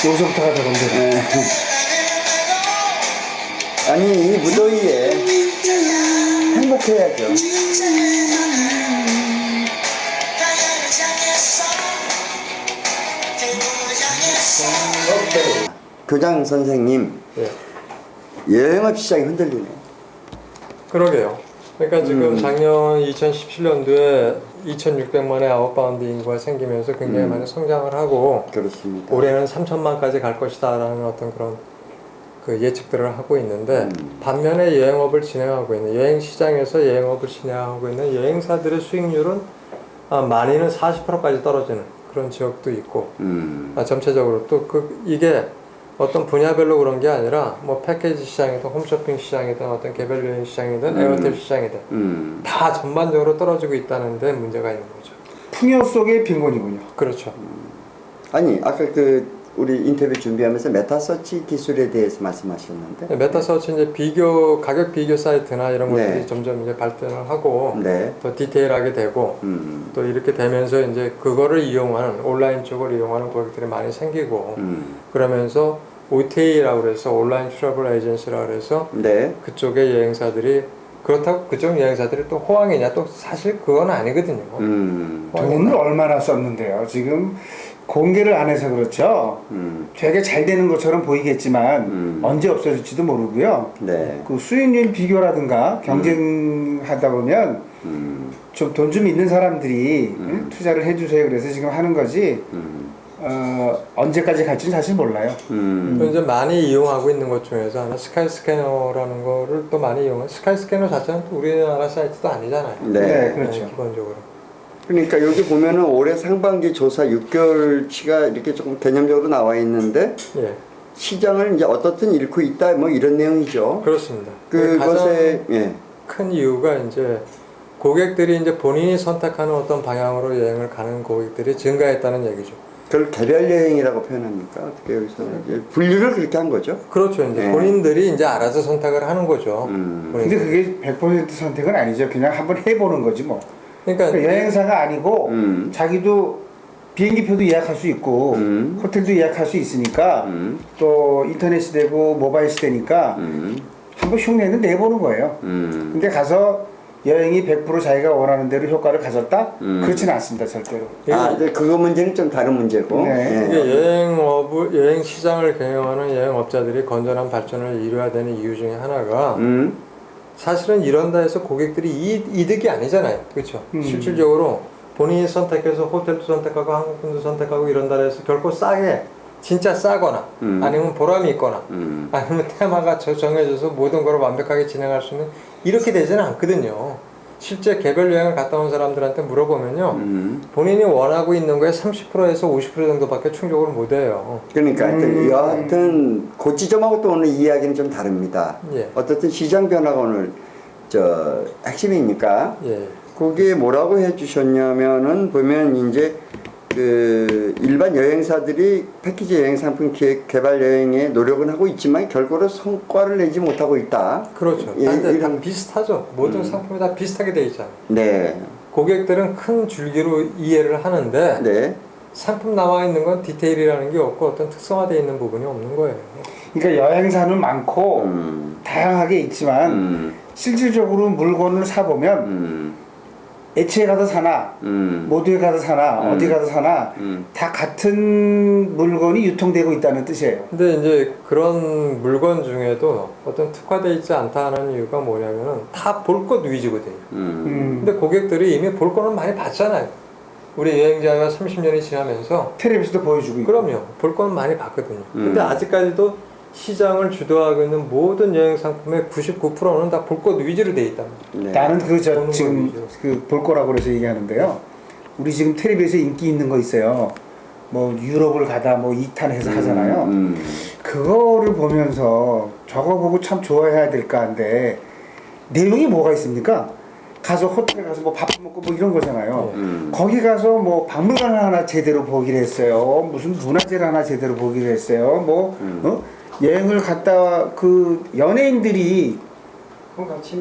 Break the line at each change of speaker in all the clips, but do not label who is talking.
여기서부터가 더건데.
아니 이 무더위에 행복해야죠. 교장 선생님, 여행업 시장이 흔들리네.
그러게요. 그러니까 지금 작년 2017년도에 2,600만의 아웃바운드 인구가 생기면서 굉장히 많이 성장을 하고
그렇습니다.
올해는 3천만까지 갈 것이다라는 어떤 그런 그 예측들을 하고 있는데 반면에 여행업을 진행하고 있는 여행 시장에서 여행업을 진행하고 있는 여행사들의 수익률은 많이는 40%까지 떨어지는 그런 지역도 있고 전체적으로 또 이게 어떤 분야별로 그런 게 아니라 뭐 패키지 시장이든 홈쇼핑 시장이든 어떤 개별 여행 시장이든 에어텔 시장이든 다 전반적으로 떨어지고 있다는 데 문제가 있는 거죠.
풍요 속의 빈곤이군요.
그렇죠.
아니 아까 그 우리 인터뷰 준비하면서 메타서치 기술에 대해서 말씀하셨는데
메타서치 이제 가격 비교 사이트나 이런 것들이 점점 이제 발전을 하고 더 디테일하게 되고 또 이렇게 되면서 이제 그거를 이용하는 온라인 쪽을 이용하는 고객들이 많이 생기고 그러면서 OTA라고 그래서 온라인 트래블 에이전시라고 그래서 그쪽의 여행사들이 그렇다고 그쪽 여행사들이 또 호황이냐 또 사실 그건 아니거든요.
돈을 얼마나 썼는데요. 지금 공개를 안 해서 그렇죠. 되게 잘 되는 것처럼 보이겠지만 언제 없어질지도 모르고요. 그 수익률 비교라든가 경쟁하다 보면 좀 돈 좀 있는 사람들이 투자를 해주세요. 그래서 지금 하는 거지. 언제까지 갈지는 사실 몰라요.
이제 많이 이용하고 있는 것 중에서 하나 스카이스캐너라는 거를 또 많이 이용해요. 스카이스캐너 자체는 또 우리나라 사이트도 아니잖아요.
네, 그렇죠.
기본적으로.
그러니까 여기 보면은 올해 상반기 조사 6개월치가 이렇게 조금 개념적으로 나와 있는데 시장을 이제 어떻든 잃고 있다 뭐 이런 내용이죠.
그렇습니다.
그것에
큰 이유가 이제 고객들이 이제 본인이 선택하는 어떤 방향으로 여행을 가는 고객들이 증가했다는 얘기죠.
그걸 개별 여행이라고 표현합니까? 어떻게 여기서 분류를 그렇게 한 거죠?
그렇죠. 이제 본인들이 이제 알아서 선택을 하는 거죠.
근데 그게 100% 선택은 아니죠. 그냥 한번 해보는 거지 뭐. 그러니까 여행사가 아니고 자기도 비행기표도 예약할 수 있고 호텔도 예약할 수 있으니까 또 인터넷 시대고 모바일 시대니까 한번 흉내는 내보는 거예요. 근데 가서 여행이 100% 자기가 원하는 대로 효과를 가졌다? 그렇지는 않습니다, 절대로.
근데 그거 문제는 좀 다른 문제고.
이게 여행 시장을 경영하는 여행업자들이 건전한 발전을 이루어야 되는 이유 중에 하나가 사실은 이런다 해서 고객들이 이득이 아니잖아요. 그렇죠? 실질적으로 본인이 선택해서 호텔도 선택하고 항공권도 선택하고 이런다 해서 결코 싸게 진짜 싸거나 아니면 보람이 있거나 아니면 테마가 정해져서 모든 걸 완벽하게 진행할 수 있는 이렇게 되지는 않거든요. 실제 개별 여행을 갔다 온 사람들한테 물어보면요 본인이 원하고 있는 거에 30%에서 50% 정도밖에 충족을 못 해요.
그러니까 여하튼 그 지점하고 또 오늘 이야기는 좀 다릅니다. 어떻든 시장 변화가 오늘 핵심이니까 거기에 뭐라고 해주셨냐면은 보면 이제 그 일반 여행사들이 패키지 여행 상품 기획 개발 여행에 노력은 하고 있지만 결과로 성과를 내지 못하고 있다.
그렇죠. 다 비슷하죠. 모든 상품이 다 비슷하게 돼 있잖아요. 고객들은 큰 줄기로 이해를 하는데 상품 나와 있는 건 디테일이라는 게 없고 어떤 특성화되어 있는 부분이 없는 거예요.
그러니까 여행사는 많고 다양하게 있지만 실질적으로 물건을 사보면 애초에 가서 사나 모두에 가서 사나 어디 가서 사나 다 같은 물건이 유통되고 있다는 뜻이에요.
근데 이제 그런 물건 중에도 어떤 특화되어 있지 않다는 이유가 뭐냐면은 다 볼 것 위주거든요. 근데 고객들이 이미 볼 거는 많이 봤잖아요. 우리 여행자가 30년이 지나면서
텔레비전도 보여주고 있고.
그럼요. 볼 거는 많이 봤거든요. 근데 아직까지도 시장을 주도하고 있는 모든 여행 상품의 99%는 다 볼 것 위주로 돼 있답니다.
나는 지금 볼 거라고 그래서 얘기하는데요. 우리 지금 텔레비에서 인기 있는 거 있어요. 뭐 유럽을 가다 뭐 2탄 해서 하잖아요. 그거를 보면서 저거 보고 참 좋아해야 될까 한데 내용이 뭐가 있습니까? 가서 호텔에 가서 뭐 밥 먹고 뭐 이런 거잖아요. 거기 가서 뭐 박물관을 하나 제대로 보기로 했어요. 무슨 문화재를 하나 제대로 보기로 했어요. 뭐 여행을 갔다 그 연예인들이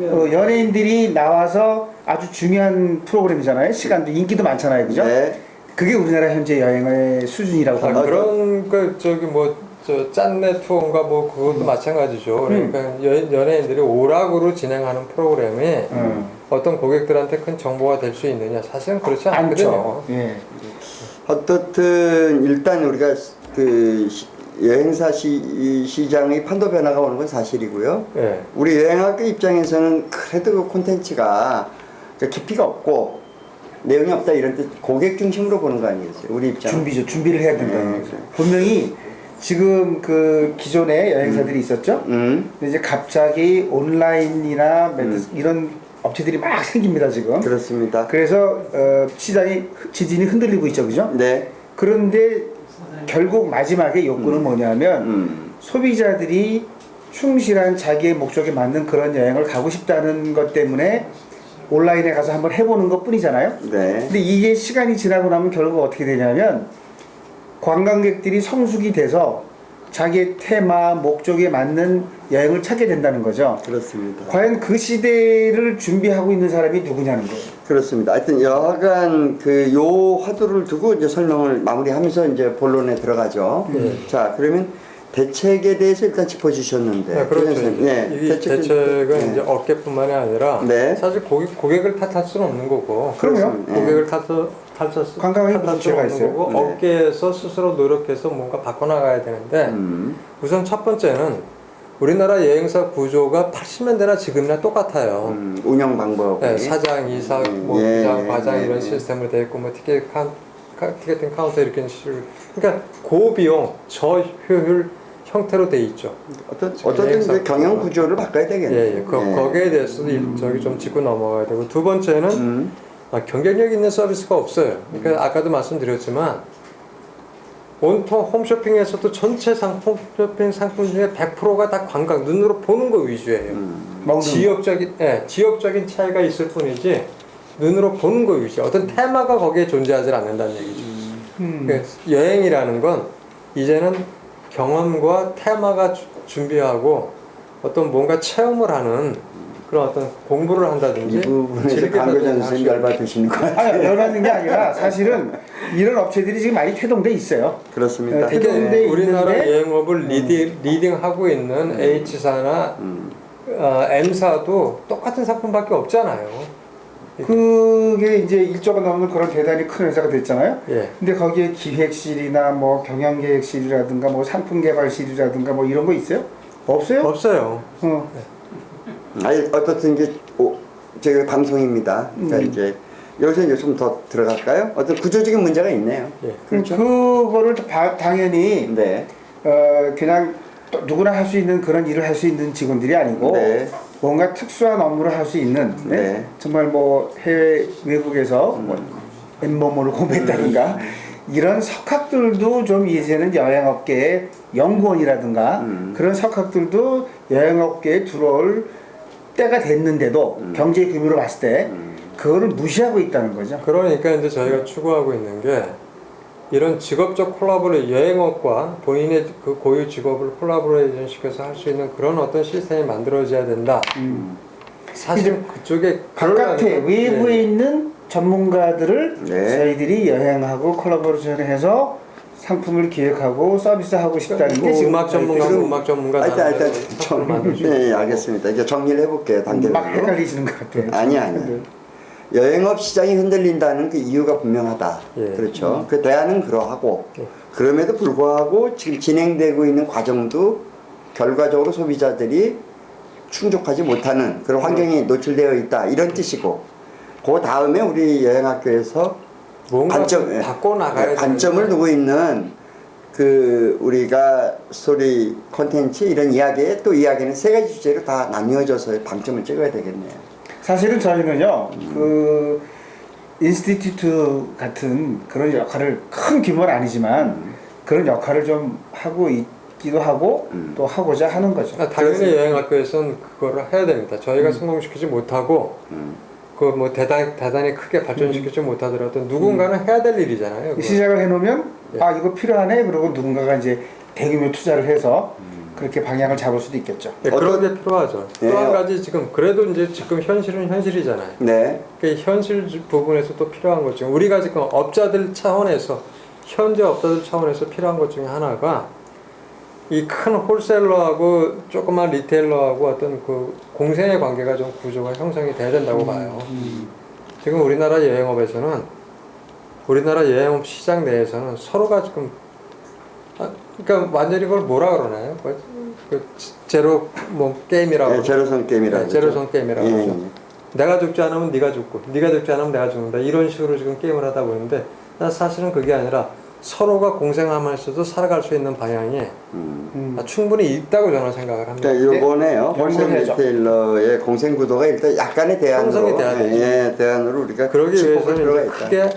연예인들이 나와서 아주 중요한 프로그램이잖아요. 시간도 인기도 많잖아요, 그죠? 그게 우리나라 현재 여행의 수준이라고
아,
합니다.
그런 그 저기 뭐 저 짠내 투어인가 뭐 그것도 마찬가지죠. 그러니까 연예인들이 오락으로 진행하는 프로그램이 어떤 고객들한테 큰 정보가 될 수 있느냐? 사실은 그렇지 않거든요.
않죠. 예.
어떻든 일단 우리가 그 여행사 시장의 판도 변화가 오는 건 사실이고요.
예.
우리 여행학교 입장에서는 그래도 그 콘텐츠가 깊이가 없고 내용이 없다 이런 뜻 고객 중심으로 보는 거 아니겠어요? 우리 입장.
준비를 해야 된다는
네,
거죠.
그래.
분명히 지금 그 기존에 여행사들이 있었죠. 근데 이제 갑자기 온라인이나 이런 업체들이 막 생깁니다 지금.
그렇습니다.
그래서 시장이 지진이 흔들리고 있죠, 그죠?
네.
그런데 결국 마지막에 욕구는 뭐냐면 소비자들이 충실한 자기의 목적에 맞는 그런 여행을 가고 싶다는 것 때문에 온라인에 가서 한번 해보는 것 뿐이잖아요.
네.
근데 이게 시간이 지나고 나면 결국 어떻게 되냐면 관광객들이 성숙이 돼서 자기의 테마, 목적에 맞는 여행을 찾게 된다는 거죠.
그렇습니다.
과연 그 시대를 준비하고 있는 사람이 누구냐는 거예요.
그렇습니다. 하여튼 여하간 그 요 화두를 두고 이제 설명을 마무리하면서 이제 본론에 들어가죠. 자, 그러면 대책에 대해서 일단 짚어주셨는데.
네, 그렇죠.
네,
이 대책은
네.
이제 업계뿐만이 아니라
네.
사실 고객을 탓할 수는 없는 거고.
그럼요.
네.
고객을 탓할
관광에 무슨
수는
죄가
없는
있어요?
거고
네.
업계에서 스스로 노력해서 뭔가 바꿔나가야 되는데 우선 첫 번째는 우리나라 여행사 구조가 80년대나 지금이나 똑같아요.
운영 방법이.
네, 사장, 이사, 뭐
예,
부장, 과장
예,
이런
예.
시스템으로 되어 있고 뭐 티켓팅 카운터 이렇게 식으로 그러니까 고비용 저효율 형태로 돼 있죠.
어떤 이제 경영 구조를 바꿔야 되겠네요.
예. 거기에 대해서도 저기 좀 짚고 넘어가야 되고 두 번째는 경쟁력 있는 서비스가 없어요. 그러니까 아까도 말씀드렸지만 온통 홈쇼핑에서도 전체 홈쇼핑 상품 중에 100%가 다 관광 눈으로 보는 거 위주예요. 지역적인 차이가 있을 뿐이지 눈으로 보는 거 위주. 어떤 테마가 거기에 존재하지 않는다는 얘기죠. 그러니까 여행이라는 건 이제는 경험과 테마가 준비하고 어떤 뭔가 체험을 하는 그런 어떤 공부를 한다든지
이 부분에서
즐기다든지
강교장 선생님 열받으시는 것 같아요.
아니, 열받는 게 아니라 사실은 이런 업체들이 지금 많이 퇴동돼 있어요.
그렇습니다.
네,
이게
퇴동돼
우리나라
있는데
여행업을 리딩하고 있는 H사나 M사도 똑같은 상품밖에 없잖아요.
그게 이제 일조가 넘는 그런 대단히 큰 회사가 됐잖아요.
예.
근데 거기에 기획실이나 뭐 경영계획실이라든가 뭐 상품개발실이라든가 뭐 이런 거 있어요? 없어요?
없어요.
아니 어떻든 이제 저희 방송입니다. 자 이제 여기서 이제 좀 더 들어갈까요? 어떤 구조적인 문제가 있네요.
예.
그렇죠. 그거를 당연히
네.
그냥 또 누구나 할 수 있는 그런 일을 할 수 있는 직원들이 아니고
네.
뭔가 특수한 업무를 할 수 있는
네.
정말 뭐 해외 외국에서 뭐 엠범을 공부했다든가 이런 석학들도 좀 이제는 여행업계의 연구원이라든가 그런 석학들도 여행업계에 들어올 때가 됐는데도 경제 규모로 봤을 때 그거를 무시하고 있다는 거죠.
그러니까 이제 저희가 추구하고 있는 게 이런 직업적 콜라보레이션, 여행업과 본인의 그 고유 직업을 콜라보레이션 시켜서 할 수 있는 그런 어떤 시스템이 만들어져야 된다. 사실 그쪽에
바깥에 외부에 있는 전문가들을
네.
저희들이 여행하고 콜라보레이션을 해서 상품을 기획하고 서비스하고 싶다는 게 지금
음악 전문가,
지금-
음악 전문가
일단
상품을 만들 수
네,
있고.
알겠습니다. 이제 정리를 해볼게요. 단계별로.
막 헷갈리시는 것 같아요.
아니. 여행업 시장이 흔들린다는 그 이유가 분명하다.
예.
그렇죠. 그 대안은 그러하고
예.
그럼에도 불구하고 지금 진행되고 있는 과정도 결과적으로 소비자들이 충족하지 못하는 그런 환경이 노출되어 있다. 이런 뜻이고 그 다음에 우리 여행학교에서
뭔가
관점,
바꿔 나가야
관점을 두고 있는 그 우리가 스토리 콘텐츠 이런 이야기에 또 이야기는 세 가지 주제로 다 나뉘어져서 방점을 찍어야 되겠네요.
사실은 저희는요, 그 인스티튜트 같은 그런 역할을 큰 규모는 아니지만 그런 역할을 좀 하고 있기도 하고 또 하고자 하는 거죠.
당연히 여행학교에서는 그거를 해야 됩니다. 저희가 성공시키지 못하고 그 뭐 대단히 크게 발전시키지 못하더라도 누군가는 해야 될 일이잖아요. 그거.
시작을 해놓으면
예.
아 이거 필요하네 그러고 누군가가 이제 대규모 투자를 해서 그렇게 방향을 잡을 수도 있겠죠.
네, 그런 게 필요하죠.
네.
또 한 가지 지금 그래도 이제 지금 현실은 현실이잖아요.
네.
그 현실 부분에서 또 필요한 것 중에 우리가 지금 업자들 차원에서 현재 업자들 차원에서 필요한 것 중에 하나가 이 큰 홀셀러하고 조그만 리테일러하고 어떤 그 공생의 관계가 좀 구조가 형성이 돼야 된다고 봐요. 지금 우리나라 여행업에서는 우리나라 여행업 시장 내에서는 서로가 지금 그러니까 완전히 그걸 뭐라 그러나요? 그 제로 뭐 게임이라고
네, 제로섬 게임이라고.
네, 제로섬 게임이라고
예,
그러죠. 내가 죽지 않으면 네가 죽고 네가 죽지 않으면 내가 죽는다 이런 식으로 지금 게임을 하다 보는데 난 사실은 그게 아니라 서로가 공생하면서도 살아갈 수 있는 방향이 충분히 있다고 저는 생각을 합니다.
그러니까 요번에요.
네,
홀셋
연구해야죠.
리테일러의 공생 구도가 일단 약간의 대안으로
형성이 돼야 되죠.
예, 대안으로 우리가
그러기
짚어볼 필요가
위해서는
있다.
크게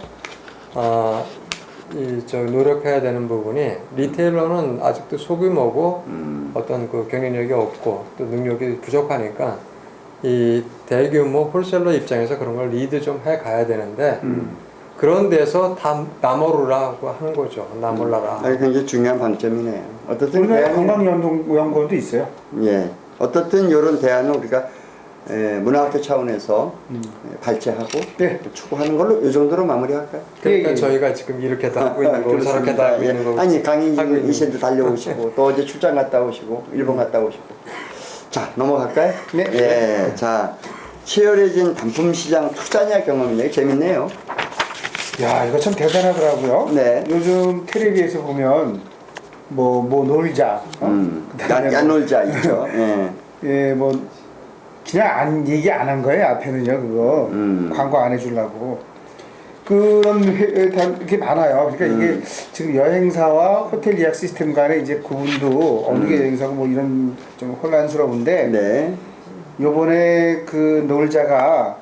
노력해야 되는 부분이 리테일러는 아직도 소규모고 어떤 그 경쟁력이 없고 또 능력이 부족하니까 이 대규모 홀셀러 입장에서 그런 걸 리드 좀 해 가야 되는데 그런 데서 다 나몰라고 하는 거죠. 나몰라라.
아니, 굉장히 중요한 방점이네요. 어떻든
우리나라 관광연구원도 있어요.
예, 어떻든 이런 대안을 우리가 문화학교 차원에서 발제하고
네.
추구하는 걸로 이 정도로 마무리할까요?
그러니까
예, 예.
저희가 지금 이렇게도 하고 있는 거고 저렇게도 하고
예.
있는 거고
아니
하고
강의
있는
이신도 달려오시고 또 어제 출장 갔다 오시고 일본 갔다 오시고 자 넘어갈까요?
네.
예, 자 치열해진 단품 시장 투자냐 경험이네요. 재밌네요.
야, 이거 참 대단하더라고요.
네.
요즘 텔레비에서 보면 뭐 놀자, 그다음에
야놀자 있죠. 예.
예, 뭐 그냥 얘기 안 한 거예요. 앞에는요, 그거 광고 안 해주려고 그런 이렇게 많아요. 그러니까 이게 지금 여행사와 호텔 예약 시스템 간의 이제 구분도 어느 게 여행사고 뭐 이런 좀 혼란스러운데
네.
요번에 그 놀자가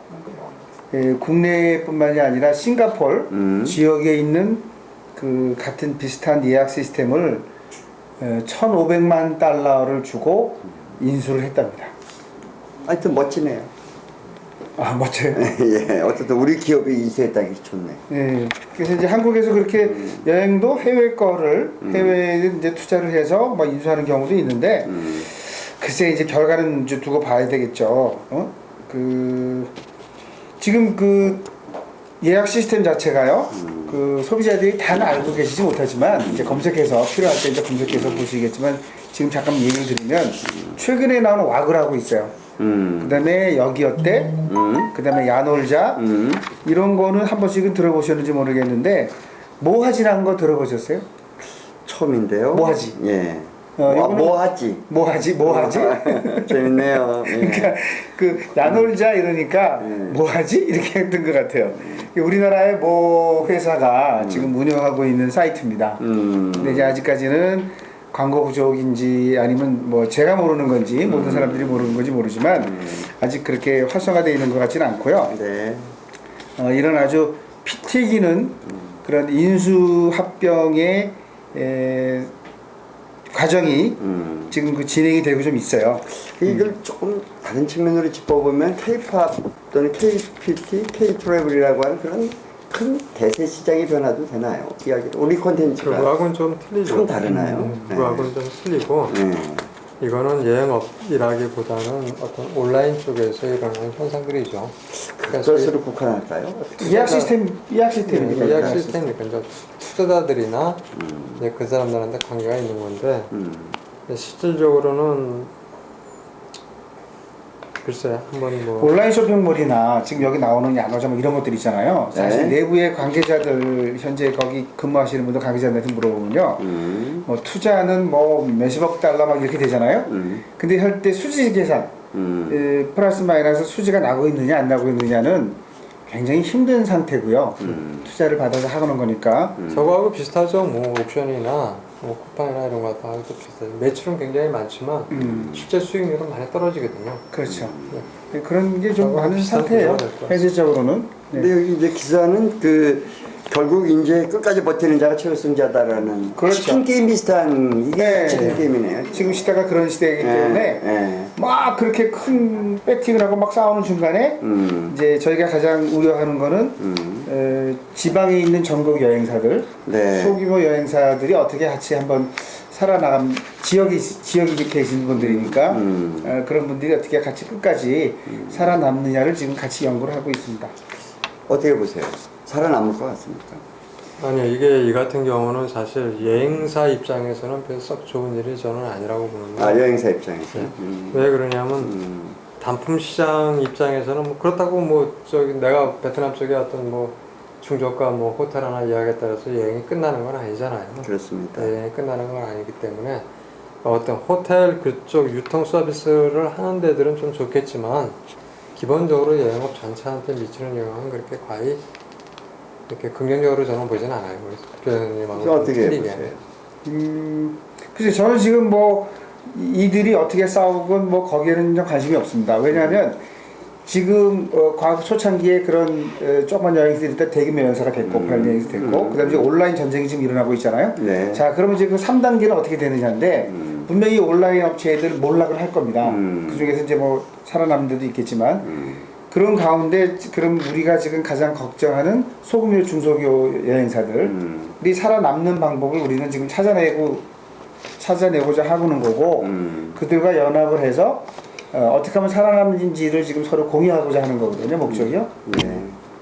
국내뿐만이 아니라 싱가폴 지역에 있는 그 같은 비슷한 예약 시스템을 1,500만 달러를 주고 인수를 했답니다.
하여튼 멋지네요.
아, 멋져요.
예, 어쨌든 우리 기업이 인수했다는 게 좋네.
예. 그래서 이제 한국에서 그렇게 여행도 해외 거를 해외에 이제 투자를 해서 뭐 인수하는 경우도 있는데 글쎄 이제 결과는 이제 두고 봐야 되겠죠. 지금 그 예약 시스템 자체가요. 그 소비자들이 다 알고 계시지 못하지만 이제 검색해서 필요할 때 이제 검색해서 보시겠지만 지금 잠깐 얘기를 드리면 최근에 나온 와그라고 있어요. 그다음에 여기 어때? 그다음에 야놀자 이런 거는 한 번씩은 들어보셨는지 모르겠는데 모하지라는 거 들어보셨어요?
처음인데요.
모하지.
예.
이거는
모하지.
모하지.
재밌네요. 예.
그러니까 그 야놀자 이러니까 뭐하지 이렇게 했던 것 같아요. 우리나라의 뭐 회사가 지금 운영하고 있는 사이트입니다. 근데 이제 아직까지는 광고 부족인지 아니면 뭐 제가 모르는 건지 모든 사람들이 모르는 건지 모르지만 아직 그렇게 활성화되어 있는 것 같지는 않고요.
네.
이런 아주 피 튀기는 그런 인수합병의 과정이 지금 그 진행이 되고 좀 있어요.
이걸 조금 다른 측면으로 짚어보면 K-팝 또는 K-PT, K-트래블이라고 하는 그런 큰 대세 시장의 변화도 되나요? 이야기를 우리 콘텐츠가
그거하고는 좀 틀리죠.
좀 다르나요?
그거하고는 좀 틀리고 이거는 여행업이라기보다는 어떤 온라인 쪽에서 일어나는 현상들이죠.
그것으로 국한할까요?
예약 시스템이니까.
예약 시스템이니까 이제 투자자들이나 이제 그 사람들한테 관계가 있는 건데 실질적으로는 글쎄 한번 뭐
온라인 쇼핑몰이나 지금 여기 나오는 야노자 뭐 이런 것들 있잖아요. 사실
네.
내부의 관계자들 현재 거기 근무하시는 분들 관계자들한테 물어보면요. 뭐 투자는 뭐 몇십억 달러 막 이렇게 되잖아요. 근데 할 때 수지 계산 플러스 마이너스 수지가 나고 있느냐 안 나고 있느냐는 굉장히 힘든 상태고요. 투자를 받아서 하는 거니까.
저거하고 비슷하죠. 뭐 옵션이나 뭐 쿠팡이나 이런 거 하고 비슷해요. 매출은 굉장히 많지만 실제 수익률은 많이 떨어지거든요.
그렇죠. 그런 게 좀
저거하고
많은
비슷한
상태예요.
구조가 될 거예요.
현실적으로는. 네.
근데 여기 이제 기사는 그 결국 이제 끝까지 버티는 자가 최우승자다라는
그렇죠.
치킨 게임 비슷한 이게
네.
치킨 게임이네요.
지금 시대가 그런 시대이기 때문에
예.
막 그렇게 큰 배팅을 하고 막 싸우는 중간에 이제 저희가 가장 우려하는 거는 지방에 있는 전국 여행사들,
네.
소규모 여행사들이 어떻게 같이 한번 살아나감 지역이 계신 분들이니까 그런 분들이 어떻게 같이 끝까지 살아남느냐를 지금 같이 연구를 하고 있습니다.
어떻게 보세요? 살아남을 것 같습니까?
아니요, 이게 이 같은 경우는 사실 여행사 입장에서는 별로 썩 좋은 일이 저는 아니라고 보는데.
아, 여행사 입장에서.
네. 왜 그러냐면 단품 시장 입장에서는 뭐 그렇다고 뭐 저기 내가 베트남 쪽에 어떤 뭐 중저가 뭐 호텔 하나 예약에 따라서 여행이 끝나는 건 아니잖아요.
그렇습니다.
여행이 끝나는 건 아니기 때문에 어떤 호텔 그쪽 유통 서비스를 하는 데들은 좀 좋겠지만 기본적으로 여행업 전체한테 미치는 영향은 그렇게 과히 이렇게 긍정적으로 저는 보진 않아요. 우리 교수님하고
어떻게 보세요?
글쎄 저는 지금 뭐 이들이 어떻게 싸우건 뭐 거기에는 좀 관심이 없습니다. 왜냐하면 지금 과거 초창기에 그런 조그만 여행사들이 일단 대규모 여행사가 됐고 오프라인 여행사 됐고 그다음에 이제 온라인 전쟁이 지금 일어나고 있잖아요.
네.
자 그러면 이제 그 3단계는 어떻게 되느냐인데 분명히 온라인 업체들 몰락을 할 겁니다. 그 중에서 이제 뭐 살아남는 데도 있겠지만 그런 가운데 그럼 우리가 지금 가장 걱정하는 소규모 중소기업 여행사들이 살아남는 방법을 우리는 지금 찾아내고자 하고는 거고 그들과 연합을 해서 어떻게 하면 살아남는지를 지금 서로 공유하고자 하는 거거든요, 목적이요.
네.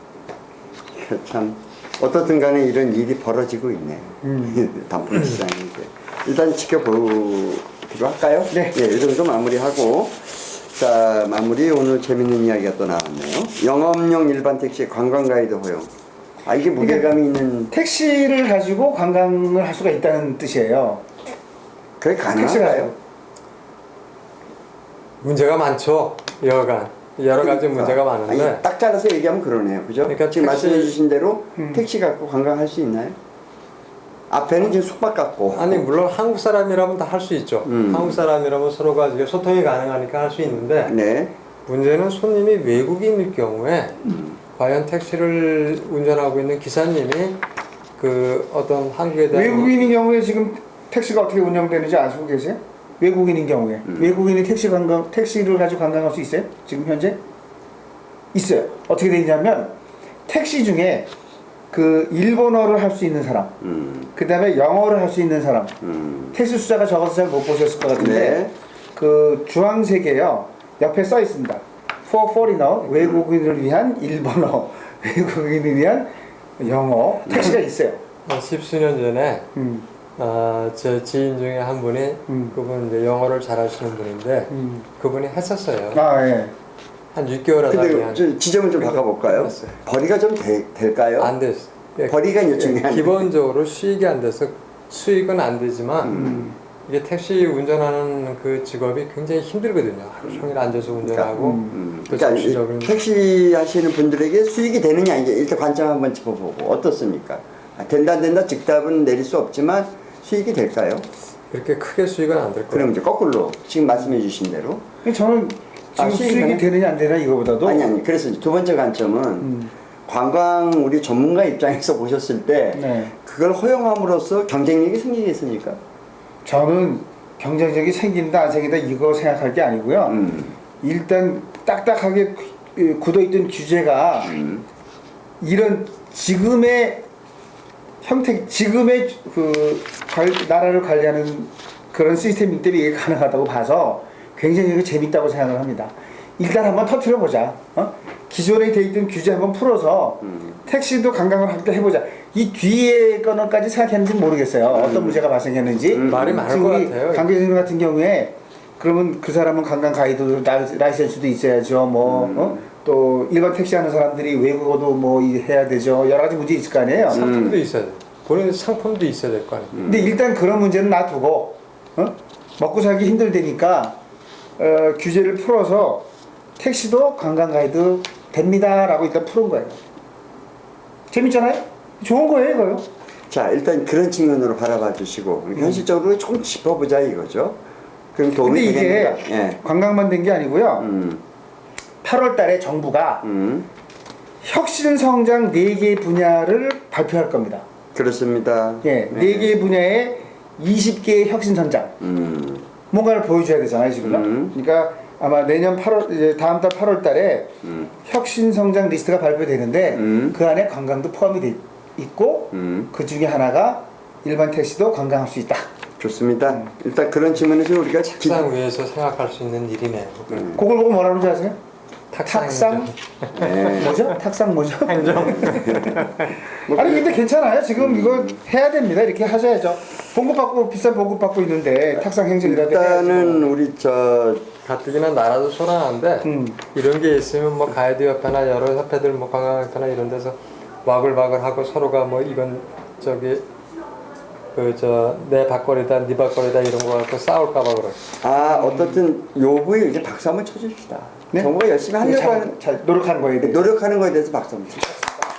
참 어떻든 간에 이런 일이 벌어지고 있네요. 단품 시장이 이제 일단 지켜보기로 할까요?
네.
예, 이 정도 마무리하고 자 마무리 오늘 재밌는 이야기가 또 나왔네요. 영업용 일반 택시 관광 가이드 허용. 아 이게 무게감이 있는.
택시를 가지고 관광을 할 수가 있다는 뜻이에요.
그게 가능한가요?
문제가 많죠. 여러 가지 문제가 많은데.
아니, 딱 잘라서 얘기하면 그러네요. 그죠?
그러니까
지금
택시-
말씀해 주신 대로 택시 갖고 관광할 수 있나요? 앞에는 지금 숙박 갖고.
아니 물론 한국 사람이라면 다 할 수 있죠. 한국 사람이라면 서로가 이게 소통이 가능하니까 할 수 있는데
네.
문제는 손님이 외국인일 경우에 과연 택시를 운전하고 있는 기사님이 그 어떤 한국에 대한
외국인인 경우에 지금 택시가 어떻게 운영되는지 아시고 계세요? 외국인인 경우에 외국인이 택시를 가지고 관광할 수 있어요? 지금 현재 있어요. 어떻게 되냐면 택시 중에 그 일본어를 할 수 있는 사람, 그 다음에 영어를 할 수 있는 사람, 택시 숫자가 적어서 잘 못 보셨을 것 같은데
네.
그 주황색에요 옆에 써 있습니다. For foreigner 외국인을 위한 일본어, 외국인을 위한 영어 택시가 있어요.
한 십수년 전에 제 지인 중에 한 분이 그분 이제 영어를 잘하시는 분인데 그분이 했었어요.
아 예.
한 6개월 하다
근데
그냥
좀 지점을 좀 바꿔볼까요?
됐어요.
벌이가 좀 될까요?
안 됐어.
벌이가 이제 중요한.
기본적으로 수익이 안 돼서 수익은 안 되지만 이게 택시 운전하는 그 직업이 굉장히 힘들거든요. 하루 종일 앉아서 운전하고 또
그러니까
정신적인
택시 하시는 분들에게 수익이 되느냐 이제 일단 관점 한번 짚어보고 어떻습니까? 아, 된다 안 된다 즉답은 내릴 수 없지만 수익이 될까요?
그렇게 크게 수익은 안 될 거예요.
그럼 이제 거꾸로 지금 말씀해 주신 대로
저는 지금 수익이 되느냐 안 되느냐 이거보다도
아니 그래서 이제 두 번째 관점은 관광 우리 전문가 입장에서 보셨을 때
네.
그걸 허용함으로써 경쟁력이 생기겠습니까?
저는 경쟁력이 생긴다 안 생긴다 이거 생각할 게 아니고요. 일단 딱딱하게 굳어있던 규제가 이런 지금의 형태, 지금의 나라를 관리하는 그런 시스템이기 때문에 이게 가능하다고 봐서 굉장히 이게 재밌다고 생각을 합니다. 일단 한번 터트려 보자. 기존에 돼 있던 규제 한번 풀어서 택시도 관광을 함께 해보자. 이 뒤에 거는까지 생각했는지 모르겠어요. 어떤 문제가 발생했는지.
말이 많을
지금
것
우리
같아요.
강 교수님 같은 경우에 그러면 그 사람은 관광 가이드 라이센스도 있어야죠. 또 일반 택시 하는 사람들이 외국어도 뭐 해야 되죠. 여러 가지 문제 있을 거 아니에요.
상품도 있어야 돼. 본인 상품도 있어야 될 거 아니에요.
근데 일단 그런 문제는 놔두고 먹고 살기 힘들다니까 규제를 풀어서 택시도 관광 가이드 됩니다라고 일단 푸는 거예요. 재밌잖아요? 좋은 거예요, 이거요.
자 일단 그런 측면으로 바라봐 주시고 현실적으로 좀 짚어보자 이거죠. 그럼 도움이
근데 이게
되겠는가? 예.
관광만 된 게 아니고요. 8월 달에 정부가 혁신 성장 4개 분야를 발표할 겁니다.
그렇습니다.
예, 네 개 분야에 20개의 혁신 전장. 뭔가를 보여줘야 되잖아요, 지금. 그러니까 아마 내년 8월, 이제 다음 달 8월 달에 혁신 성장 리스트가 발표되는데 그 안에 관광도 포함이 돼 있고 그 중에 하나가 일반 택시도 관광할 수 있다.
좋습니다. 일단 그런 측면에서 우리가
책상 위에서 생각할 수 있는 일이네요.
그걸 보고 뭐라 그러지 아세요? 탁상?
네.
뭐죠? 탁상 뭐죠?
행정.
아니 근데 괜찮아요. 지금 이거 해야 됩니다. 이렇게 하셔야죠. 봉급받고 비싼 봉급받고 있는데 탁상 행정이라도
일단은
해야지.
우리 저
가뜩이나 나라도 소란한데 이런 게 있으면 뭐 가이드 협회나 여러 협회들 뭐 관광협회나 이런 데서 와글와글하고 서로가 뭐 이건 저기 그 저 내 밥거리다 네 밥거리다 이런 거 갖고 싸울까봐 그래.
어떻든 요부에 이제 박수 한번 쳐줍시다.
네?
정부가 열심히 하려고 하는
잘 노력하는 거에 대해
노력하는 거에 대해서 박수 한번 칩시다.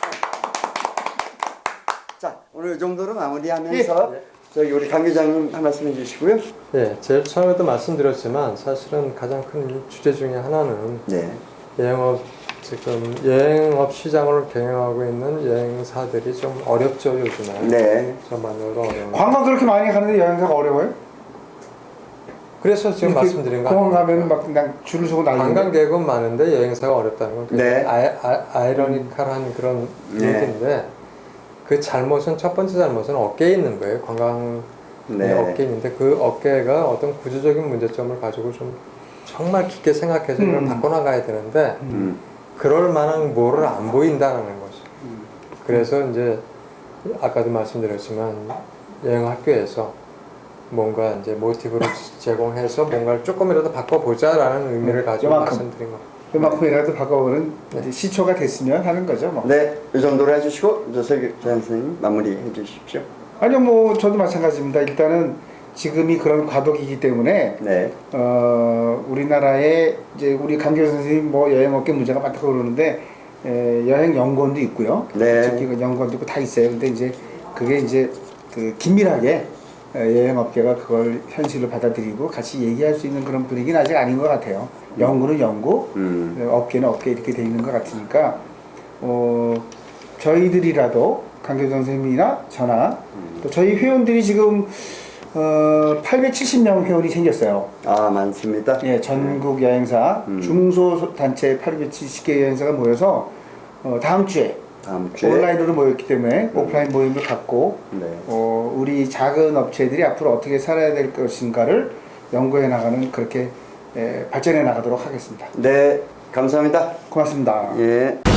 자 오늘 이 정도로 마무리하면서 저희 우리 강 기자님 한 말씀 해주시고요.
예, 제일 처음에도 말씀드렸지만 사실은 가장 큰 주제 중에 하나는
네.
지금 여행업 시장을 경영하고 있는 여행사들이 좀 어렵죠 요즘에.
네.
저만으로 어려운.
관광 그렇게 많이 가는데 여행사가 어려워요?
그래서 지금
이렇게
말씀드린 거
공항 가면
아닙니까?
막 그냥 줄을 서고 난리인데
관광객은 많은데 여행사가 어렵다는 건
네.
아이러니컬한 그런
네.
얘기인데 그 잘못은 첫 번째 잘못은 업계에 있는 거예요. 관광
네.
업계에 있는데 그 업계가 어떤 구조적인 문제점을 가지고 좀 정말 깊게 생각해서 이걸 바꿔나가야 되는데 그럴 만한 뭐를 안 보인다는 거죠. 그래서 이제 아까도 말씀드렸지만 여행학교에서 뭔가 이제 모티브를 제공해서 뭔가를 조금이라도 바꿔보자라는 의미를 가지고
요만큼.
말씀드린 거.
요만큼이라도 바꿔보는 이제 시초가 됐으면 하는 거죠. 뭐.
네, 이 정도로 해주시고 조석규 선생님 마무리해 주십시오.
아니요, 뭐 저도 마찬가지입니다. 일단은 지금이 그런 과도기이기 때문에
네.
우리나라에 이제 우리 강교 선생님 뭐 여행업계 문제가 많다고 그러는데 여행 연구원도 있고요.
네.
특히 그 연구원도 있고 다 있어요. 근데 이제 그게 이제 그 긴밀하게 여행업계가 그걸 현실로 받아들이고 같이 얘기할 수 있는 그런 분위기는 아직 아닌 것 같아요. 연구는 연구, 업계는 업계 이렇게 돼 있는 것 같으니까 저희들이라도 강교 선생님이나 저나 또 저희 회원들이 지금 870명 회원이 생겼어요.
아 많습니다.
예, 전국 여행사 중소단체 870개 여행사가 모여서 다음 주에 온라인으로 모였기 때문에 오프라인 모임을 갖고
네.
우리 작은 업체들이 앞으로 어떻게 살아야 될 것인가를 연구해 나가는 그렇게 발전해 나가도록 하겠습니다.
네, 감사합니다.
고맙습니다.
예.